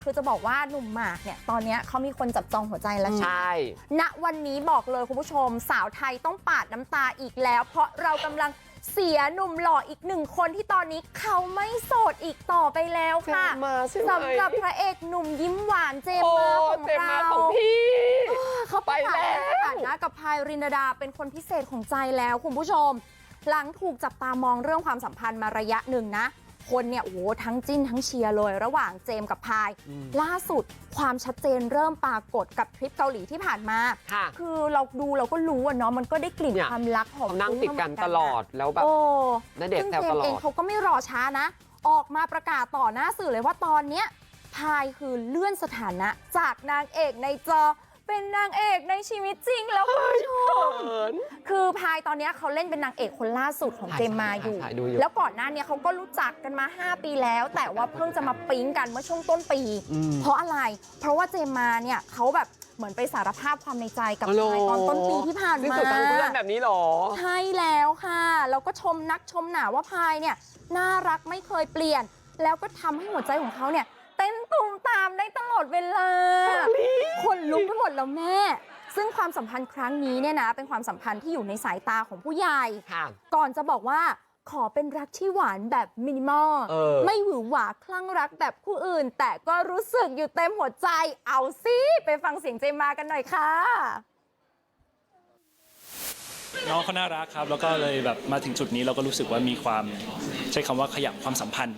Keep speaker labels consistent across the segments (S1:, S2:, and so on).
S1: คือจะบอกว่าหนุ่มหมากเนี่ยตอนนี้เขามีคนจับจองหัวใจแล้วใช่ณวันนี้บอกเลยคุณผู้ชมสาวไทยต้องปาดน้ำตาอีกแล้ว เพราะเรากำลังเสียหนุ่มหล่ออีกหนึ่งคนที่ตอนนี้เขาไม่โสดอีกต่อไปแล้วค่ะสำหรับพระเอกหนุ่มยิ้มหวานเจมมาของเราเขาไปแล้วสถานะกับพายรินดาเป็นคนพิเศษของใจแล้วคุณผู้ชมหลังถูกจับตามองเรื่องความสัมพันธ์มาระยะหนึ่งนะคนเนี่ยโอ้โหทั้งจิ้นทั้งเชียร์เลยระหว่างเจมกับพายล่าสุดความชัดเจนเริ่มปรากฏกับทริปเกาหลีที่ผ่านมาคือเราดูเราก็รู้อะเนาะมันก็ได้กลิ่นความรักหอม
S2: นั่งติดกันตลอดแล้วแบบณเดชน์แซวตลอดซึ่งเจมเองเขาก็ไม่รอช้านะออกมาประกาศต่อหน้าสื่อเลยว่าตอนเนี้ยพายคือเลื่อนสถานะจากนางเอกในจอเป็นนางเอกในชีวิตจริงแล้วคุณผู้ชมคือพายตอนนี้เขาเล่นเป็นนางเอกคนล่าสุดของเจมมาอยู่แล้วก่อนหน้านี้เขาก็รู้จักกันมา5 ปีแล้วแต่ว่าเพิ่งจะมาปิ๊งกันเมื่อช่วงต้นปีเพราะอะไรเพราะว่าเจมมาเนี่ยเขาแบบเหมือนไปสารภาพความในใจกับพายตอนต้นปีที่ผ่านมาตั้งเพื่อนแบบนี้หรอ
S1: ใช่แล้วค่ะแล้วก็ชมนักชมหนาว่าพายเนี่ยน่ารักไม่เคยเปลี่ยนแล้วก็ทำให้หัวใจของเขาเนี่ยเต้นตูมตามได้ตลอดเวลาคนลุกไปหมดแล้วแม่ซึ่งความสัมพันธ์ครั้งนี้เนี่ยนะเป็นความสัมพันธ์ที่อยู่ในสายตาของผู้ใหญ่ก่อนจะบอกว่าขอเป็นรักที่หวานแบบมินิมอลไม่หวือหวาคลั่งรักแบบคู่อื่นแต่ก็รู้สึกอยู่เต็มหัวใจเอาสิไปฟังเสียงเจมมากันหน่อยค่ะ
S3: น้องเขาน่ารักครับแล้วก็เลยแบบมาถึงจุดนี้เราก็รู้สึกว่ามีความใช้คำว่าขยับความสัมพันธ์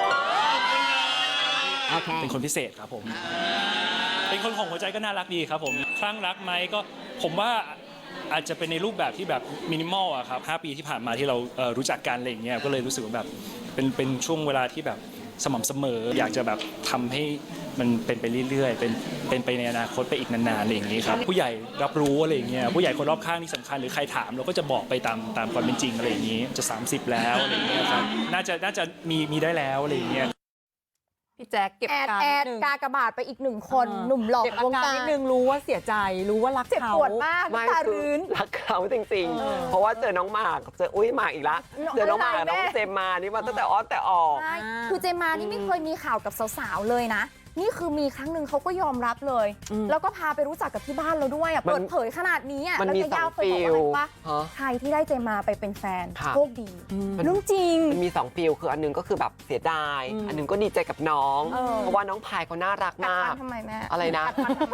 S3: เป็นคนพิเศษครับผมเป็นคนของหัวใจก็น่ารักดีครับผมคลั่งรักไหมก็ผมว่าอาจจะเป็นในรูปแบบที่แบบมินิมอลอะครับ5 ปีที่ผ่านมาที่เรารู้จักกันอะไรอย่างเงี้ยก็เลยรู้สึกว่าแบบเป็นช่วงเวลาที่แบบสม่ำเสมออยากจะแบบทำให้มันเป็นไปเรื่อยๆเป็นไปในอนาคตไปอีกนานๆอะไรอย่างนี้ครับผู้ใหญ่รับรู้อะไรอย่างเงี้ยผู้ใหญ่คนรอบข้างที่สำคัญหรือใครถามเราก็จะบอกไปตามความเป็นจริงอะไรอย่างนี้จะ30แล้วอะไรอย่างเงี้ยครับน่าจะมีได้แล้วอะไรอย่างเงี้ย
S4: พี่แจ๊คเก็บการนิดนึง
S1: กากระบาดไปอีกหนึ่งคนหนุ่มหล่อวงการ
S4: นิดนึงรู้ว่าเสียใจรู้ว่ารักเขาเจ็บ
S1: ปวดมากตารื้น
S2: รักเขาจริงๆเพราะว่าเจอน้องหมากเจอหมากอีกละเจอน้องหมากน้องเจมมานี่มาตั้งแต่อ้อนแต่ออก
S1: คือเจมมานี่ไม่เคยมีข่าวกับสาวๆเลยนะนี่คือมีครั้งหนึ่งเขาก็ยอมรับเลยแล้วก็พาไปรู้จักกับที่บ้านเราด้วยเปิดเผยขนาดนี้แล้วจะยาวเคยบอกว่าใครที่ได้เจมมาไปเป็นแฟนโชคดีเรื่องจริง
S2: มันมี2 ฟีลคืออันนึงก็คือแบบเสียดายอันนึงก็ดีใจกับน้องเพราะว่าน้องพายเขาน่ารักมาก
S1: ทำไมแม่
S2: อะไรนะ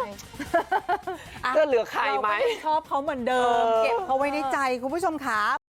S4: จะ
S2: เหลือใครไหม
S4: ชอบเขาเหมือนเดิมเก็บเขาไว้ในใจคุณผู้ชมค่ะ